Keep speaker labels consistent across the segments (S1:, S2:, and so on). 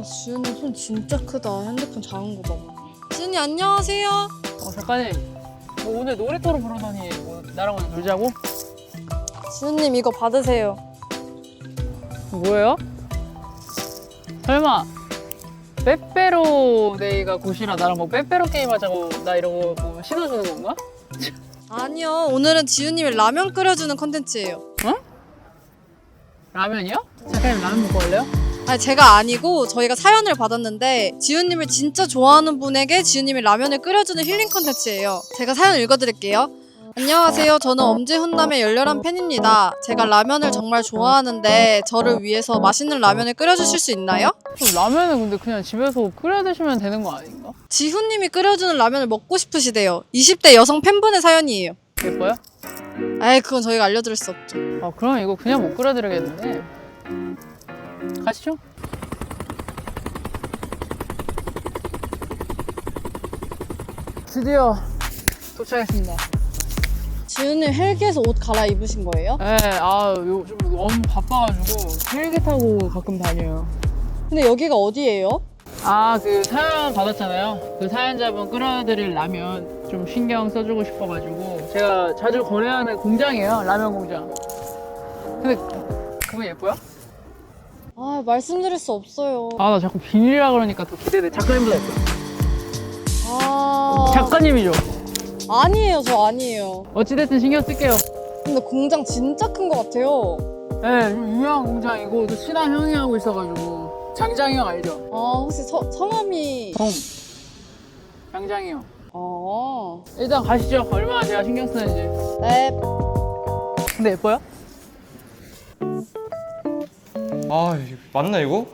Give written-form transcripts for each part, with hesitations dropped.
S1: 지훈이 손 진짜 크다. 핸드폰 작은 거 봐봐. 지훈이 안녕하세요.
S2: 작가님, 뭐 오늘 놀이터로 부르더니 뭐 나랑 오늘 놀자고?
S1: 지훈님 이거 받으세요.
S2: 뭐예요? 설마 빼빼로데이가 곧이라 나랑 뭐 빼빼로 게임 하자고 나 이러고 뭐 신어주는 건가?
S1: 아니요, 오늘은 지훈님이 라면 끓여주는 컨텐츠예요.
S2: 어? 라면이요? 작가님 라면 먹고 갈래요?
S1: 아니 제가 아니고 저희가 사연을 받았는데 지훈님을 진짜 좋아하는 분에게 지훈님이 라면을 끓여주는 힐링 컨텐츠예요. 제가 사연 읽어드릴게요. 안녕하세요. 저는 엄지훈남의 열렬한 팬입니다. 제가 라면을 정말 좋아하는데 저를 위해서 맛있는 라면을 끓여주실 수 있나요?
S2: 라면은 근데 그냥 집에서 끓여 드시면 되는 거 아닌가?
S1: 지훈님이 끓여주는 라면을 먹고 싶으시대요. 20대 여성 팬분의 사연이에요.
S2: 예뻐요?
S1: 에이 그건 저희가 알려드릴 수 없죠.
S2: 그럼 이거 그냥 못 끓여드리겠는데 가시죠. 드디어 도착했습니다.
S1: 지훈님 헬기에서 옷 갈아입으신 거예요?
S2: 네, 요즘 너무 바빠가지고 헬기 타고 가끔 다녀요.
S1: 근데 여기가 어디예요?
S2: 그 사연 받았잖아요. 그 사연자분 끓여드릴 라면 좀 신경 써주고 싶어가지고 제가 자주 거래하는 공장이에요. 라면 공장. 근데 그거 예뻐요?
S1: 아 말씀드릴 수 없어요.
S2: 나 자꾸 비밀이라 그러니까 더 기대돼. 작가님보다 예뻐요.
S1: 아
S2: 작가님이죠?
S1: 아니에요, 저 아니에요.
S2: 어찌됐든 신경 쓸게요.
S1: 근데 공장 진짜 큰 것 같아요.
S2: 네, 좀 유명한 공장이고 또 친한 형이 하고 있어가지고 장장이 형 알죠?
S1: 아 혹시 성함이
S2: 장장이 형.
S1: 아
S2: 일단 가시죠. 얼마나 제가 신경 쓰는지.
S1: 네.
S2: 근데 예뻐요?
S3: 이거 맞나 이거?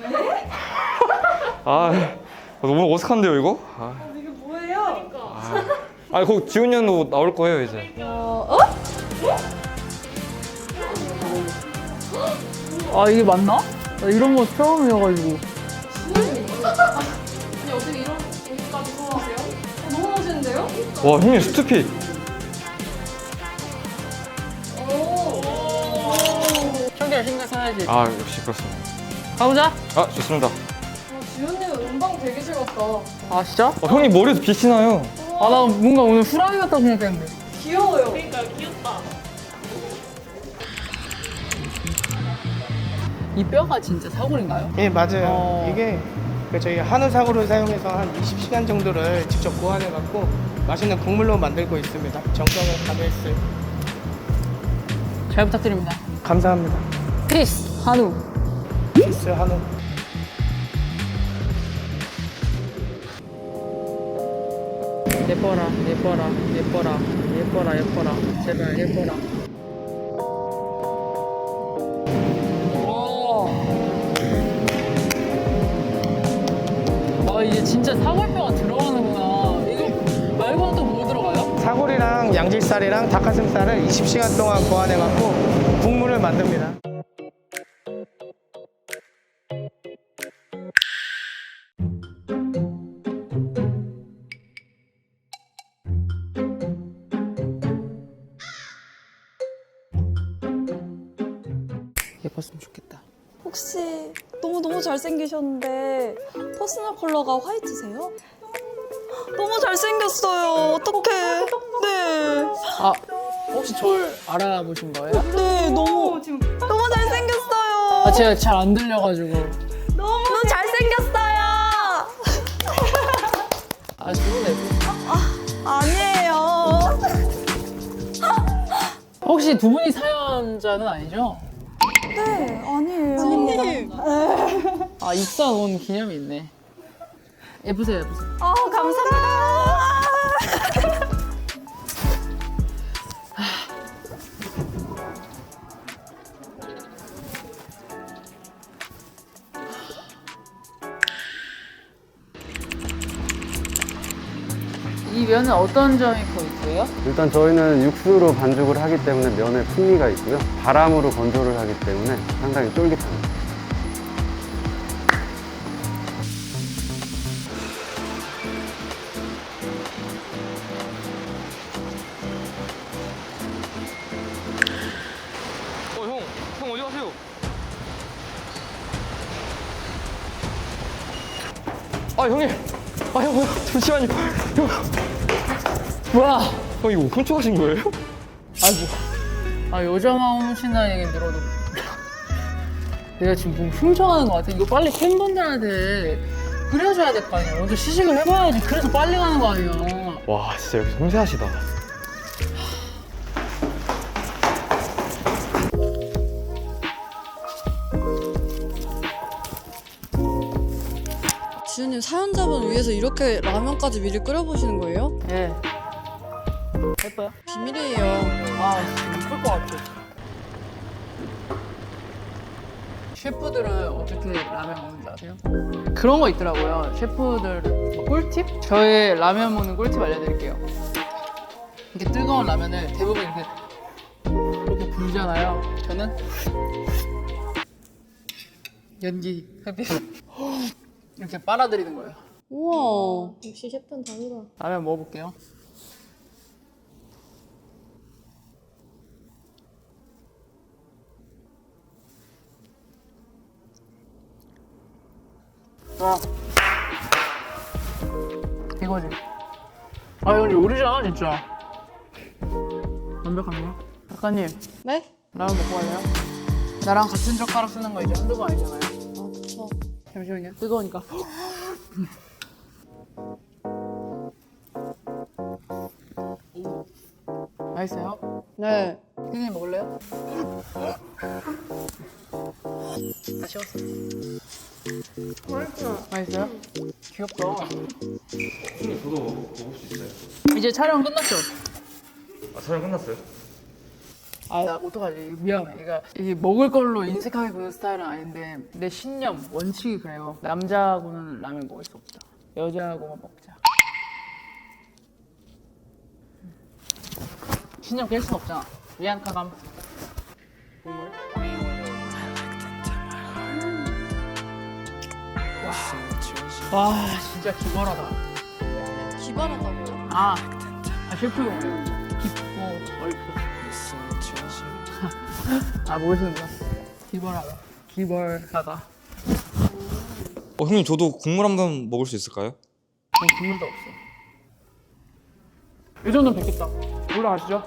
S3: 너무 어색한데요 이거?
S1: 이게 뭐예요?
S3: 거기 지훈이 형도 나올 거예요 이제.
S2: 이게 맞나? 나 이런 거 처음이어가지고.
S1: 아니 어떻게 이런 옷까지 소화하세요? 너무 멋있는데요?
S3: 와 형님 스투핏.
S2: 청결 신경 써야지.
S3: 역시 그렇습니다.
S2: 가보자.
S3: 좋습니다.
S1: 지훈님 음방 되게 즐겁다.
S2: 진짜?
S3: 형님 머리에서 빛이 나요.
S2: 나 뭔가 오늘 후라이 같다고 생각했는데.
S1: 귀여워요.
S2: 이 뼈가 진짜 사골인가요?
S4: 예, 맞아요. 이게 저희 한우 사고를 사용해서 한 20시간 정도를 직접 고안해갖고 맛있는 국물로 만들고 있습니다. 정성을 다했어요.
S2: 잘 부탁드립니다.
S4: 감사합니다.
S2: 피스 한우.
S4: 피스 한우.
S2: 예뻐라, 예뻐라, 예뻐라, 예뻐라, 예뻐라. 제발 예뻐라. 이제 진짜 사골뼈가 들어가는구나. 이거 말고는 또 뭐 들어가요?
S4: 사골이랑 양질살이랑 닭가슴살을 20시간 동안 고안해갖고 국물을 만듭니다.
S2: 예뻤으면 좋겠다.
S5: 혹시 너무 잘생기셨는데 퍼스널 컬러가 화이트세요? 너무 잘생겼어요. 어떡해. 네.
S2: 혹시 절 알아보신 거예요?
S5: 네, 너무 잘생겼어요.
S2: 제가 잘 안 들려가지고.
S5: 너무 잘생겼어요.
S2: 좋은데.
S5: 아니에요.
S2: 혹시 두 분이 사연자는 아니죠?
S5: 네, 아니에요.
S1: 지훈님.
S2: 입사 온 기념이 있네. 예쁘세요, 예쁘세요.
S5: 감사합니다.
S2: 이 면은 어떤 점이 포인트예요?
S6: 일단 저희는 육수로 반죽을 하기 때문에 면에 풍미가 있고요. 바람으로 건조를 하기 때문에 상당히 쫄깃합니다.
S3: 형 어디 가세요? 아 형님. 아 형, 잠시만요. 형,
S2: 뭐야?
S3: 형 이거 훔쳐가신 거예요?
S2: 아이고. 아 여자만 훔친다는 얘기 들어도 내가 지금 뭐 훔쳐가는 것 같아. 이거 빨리 팬분들한테 끓여줘야 될 거 아니야. 먼저 시식을 해봐야지. 그래서 빨리 가는 거 아니야.
S3: 와 진짜 여기 섬세하시다.
S1: 지훈님 사연자분 위해서 이렇게 라면까지 미리 끓여보시는 거예요?
S2: 예. 예뻐요?
S1: 비밀이에요.
S2: 아, 예쁠 것 같아. 셰프들은 어떻게 라면 먹는지 아세요? 그런 거 있더라고요. 셰프들 뭐 꿀팁? 저의 라면 먹는 꿀팁 알려드릴게요. 이렇게 뜨거운 라면을 대부분 이렇게 불잖아요. 저는 연기 이렇게 빨아들이는 거예요.
S1: 우와. 역시 셰프는 다르다.
S2: 라면 먹어볼게요. 와. 이거지. 아, 이건 요리잖아, 진짜. 완벽한데요? 작가님,
S1: 네?
S2: 라면 먹고 갈래요? 나랑 같은 젓가락 쓰는 거 이제 한두 번 아니잖아요.
S1: 아, 그쵸.
S2: 잠시만요. 뜨거우니까. 맛있어요?
S1: 네.
S2: 피디님 먹을래요? 다 식었어. 맛있어요? 귀엽다.
S3: 저도 먹을 수 있어요.
S2: 이제 촬영 끝났죠?
S3: 아 촬영 끝났어요?
S2: 아, 나 어떡하지? 미안해. 그러니까 이게 먹을 걸로 인색하게 구는 스타일은 아닌데 내 신념, 원칙이 그래요. 남자하고는 라면 먹을 수 없다. 여자하고만 먹자. 신념 깰 순 없잖아. 미안, 가감. 국물. 와, 진짜 기발하다.
S1: 기발하다고요?
S2: 아 셰프용 깊고 넓고. 아 모르시는구나. 기발하다. 기발하다.
S3: 형님 저도 국물 한 번 먹을 수 있을까요?
S2: 국물도 없어. 이 정도는 뵙겠다. 올라가시죠.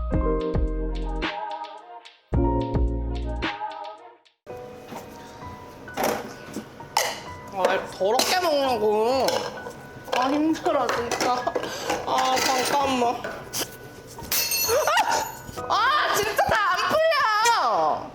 S4: 아, 더럽게 먹냐고. 아, 힘들어, 진짜. 아, 잠깐만. 아, 진짜 다 안 풀려!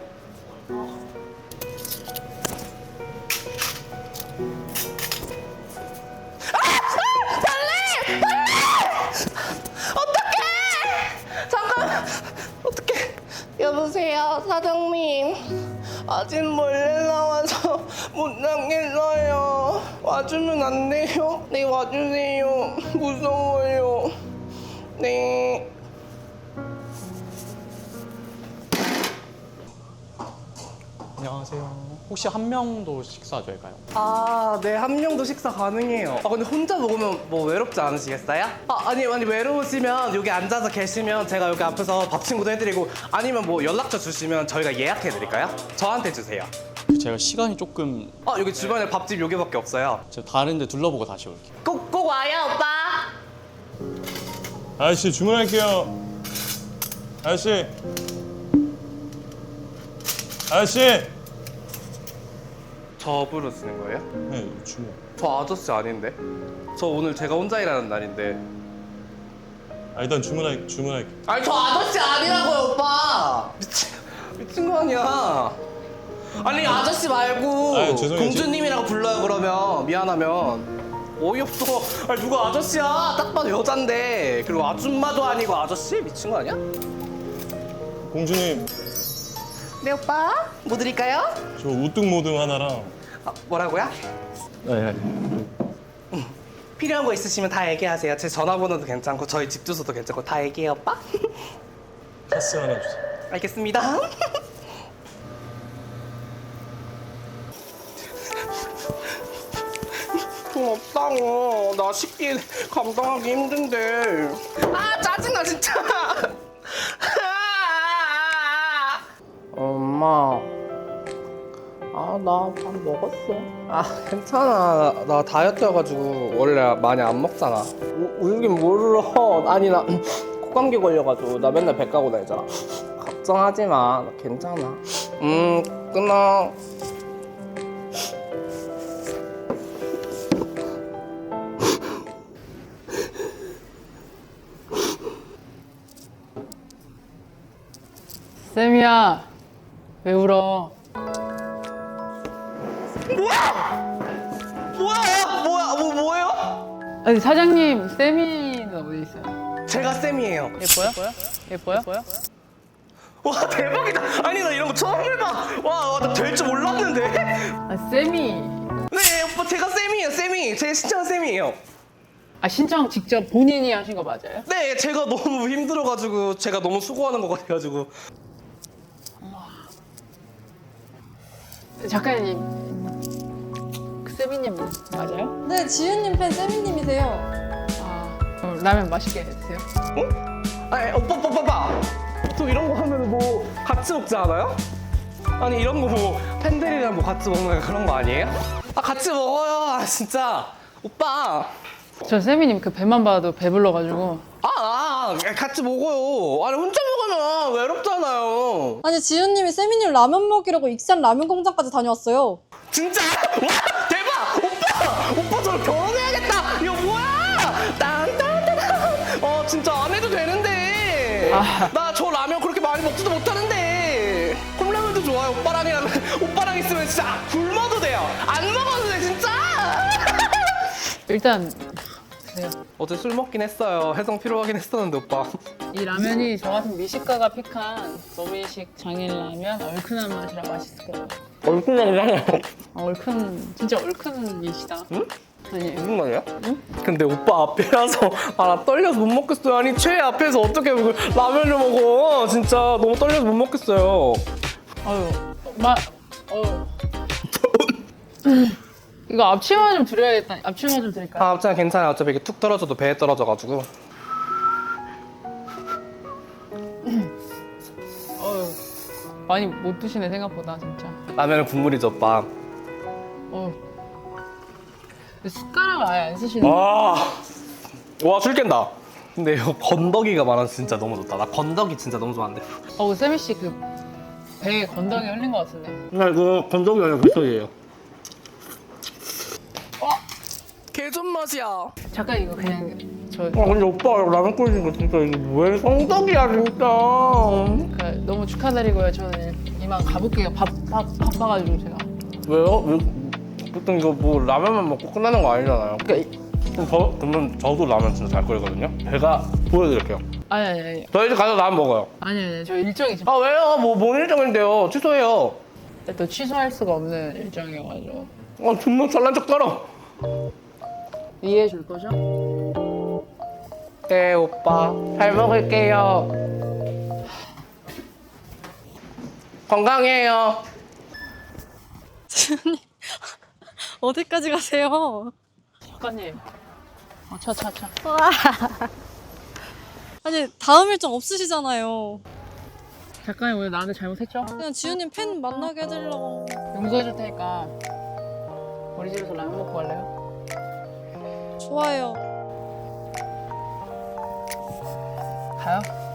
S4: 잠깐! 어떡해. 여보세요, 사장님. 아직 몰래 나와서 못 나겠어요. 와주면 안 돼요? 네, 와주세요. 무서워요. 네.
S7: 안녕하세요. 혹시 한 명도 식사 될까요?
S4: 아, 네, 한 명도 식사 가능해요. 아, 근데 혼자 먹으면 뭐 외롭지 않으시겠어요? 아니, 외로우시면 여기 앉아서 계시면 제가 여기 앞에서 밥 친구도 해드리고 아니면 뭐 연락처 주시면 저희가 예약해드릴까요? 저한테 주세요.
S7: 제가 시간이 조금
S4: 여기 주변에 밥집 여기밖에 없어요.
S7: 제가 다른 데 둘러보고 다시 올게요.
S4: 꼭 와요, 오빠.
S8: 아저씨 주문할게요. 아저씨. 아저씨.
S4: 저 부르시는 거예요?
S8: 네 주문.
S4: 저 아저씨 아닌데? 저 오늘 제가 혼자 일하는 날인데.
S8: 아 일단 주문할게.
S4: 아니, 저 아저씨 아니라고요, 오빠. 미친 거 아니야. 아니, 아저씨 말고
S8: 아, 죄송해요.
S4: 공주님이라고 불러요. 그러면 미안하면 어이없어. 아니, 누가 아저씨야? 딱 봐도 여잔데. 그리고 아줌마도 아니고 아저씨? 미친 거 아니야?
S8: 공주님
S4: 네, 오빠. 뭐 드릴까요?
S8: 저 우뚝 모듬 하나랑.
S4: 뭐라고요?
S8: 네.
S4: 필요한 거 있으시면 다 얘기하세요. 제 전화번호도 괜찮고 저희 집 주소도 괜찮고 다 얘기해요, 오빠.
S8: 카스 하나 주세요.
S4: 알겠습니다. 돈 없다고. 나 식비 감당하기 힘든데. 아, 짜증나 진짜. 엄마. 아,
S2: 나 밥 먹었어.
S4: 아 괜찮아. 나 다이어트여가지고 원래 많이 안 먹잖아. 울긴 뭘 울어. 아니 나 콧감기 걸려가지고 나 맨날 배 까고 다니잖아. 걱정하지 마. 나 괜찮아. 끊어.
S2: 쌤이야, 왜 울어?
S4: 뭐야?
S2: 아니 사장님, 쌤이는 어디 있어요?
S4: 제가 쌤이에요.
S2: 예뻐요?
S4: 와 대박이다. 아니 나 이런 거 처음 해봐. 와 나 될 줄 몰랐는데.
S2: 아 쌤이.
S4: 네 오빠 제가 쌤이에요. 쌤이 제 신청 쌤이에요.
S2: 아 신청 직접 본인이 하신 거 맞아요?
S4: 네 제가 너무 힘들어가지고 제가 너무 수고하는 것 같아가지고.
S2: 작가님, 그 쌤이님 맞아요?
S1: 네, 지윤님 팬 세미님이세요.
S2: 아, 그럼 라면 맛있게 드세요.
S4: 아니 오빠 보통 이런 거 하면 뭐 같이 먹지 않아요? 아니 이런 거 뭐 팬들이랑 뭐 같이 먹는 그런 거 아니에요? 아 같이 먹어요. 아 진짜 오빠.
S2: 저 쌤이님 그 배만 봐도 배불러가지고.
S4: 같이 먹어요. 아니 혼자 먹으면 외롭잖아요.
S1: 아니, 지윤님이 세미님 라면 먹이려고 익산 라면 공장까지 다녀왔어요.
S4: 진짜? 와 대박! 오빠 저랑 결혼해야겠다. 이거 뭐야? 딴딴딴. 진짜 안 해도 되는데. 나 저 라면 그렇게 많이 먹지도 못하는데. 컵라면도 좋아요. 오빠랑 있으면 진짜 굶어도 돼요. 안 먹어도 돼 진짜.
S2: 일단 드세요.
S4: 어제 술 먹긴 했어요. 해성 필요하긴 했었는데 오빠.
S2: 이 라면이 저 같은 미식가가 픽한 노미식 장인 라면 얼큰한 맛이라 맛있을 거예요.
S4: 얼큰하잖아요.
S2: 진짜 얼큰 미시다.
S4: 응?
S2: 아니에요.
S4: 무슨 말이야? 응? 근데 오빠 앞이라서 나 떨려서 못 먹겠어요. 아니 최애 앞에서 어떻게 라면을 먹어? 진짜 너무 떨려서 못 먹겠어요.
S2: 이거 앞치마 좀 드려야겠다. 앞치마 좀 드릴까요?
S4: 앞차는 괜찮아요. 어차피 이게 툭 떨어져도 배에 떨어져가지고.
S2: 많이 못 드시네 생각보다 진짜.
S4: 라면은 국물이죠 오빠.
S2: 근데 숟가락을 아예 안 쓰시는.
S4: 와술 깬다. 근데 이거 건더기가 많아서 진짜 너무 좋다. 나 건더기 진짜 너무 좋아하는데.
S2: 세미 씨 그 배에 건더기 흘린 것 같은데.
S4: 나 이거 건더기 아니라 물떡이에요. 개존 맛이야.
S2: 잠깐 이거 그냥
S4: 근데 오빠 라면 끓이는 거 진짜 이거 왜 성덕이야 진짜.
S2: 너무 축하드리고요. 저는 이만 가볼게요. 바빠가지고 제가.
S4: 왜요? 보통 이거 뭐 라면만 먹고 끝나는 거 아니잖아요. 그러면 저도 라면 진짜 잘 끓이거든요. 제가 보여드릴게요.
S2: 아니.
S4: 저 이제 가서 라면 먹어요.
S2: 아니. 저 일정이 지금
S4: 왜요? 뭔 일정인데요? 취소해요.
S2: 또 취소할 수가 없는 일정이어가지고.
S4: 존나 잘난 척 떨어.
S2: 이해해 줄 거죠?
S4: 네 오빠 잘 먹을게요. 건강해요.
S1: 지윤님, 어디까지 가세요?
S2: 작가님. 차.
S1: 아니, 다음 일정 없으시잖아요.
S2: 작가님 오늘 나한테 잘못했죠?
S1: 그냥 지윤님 팬 만나게 해드리려고.
S2: 용서해줄 테니까 우리 집에서 라면 먹고 갈래요?
S1: 좋아요.
S2: 가요?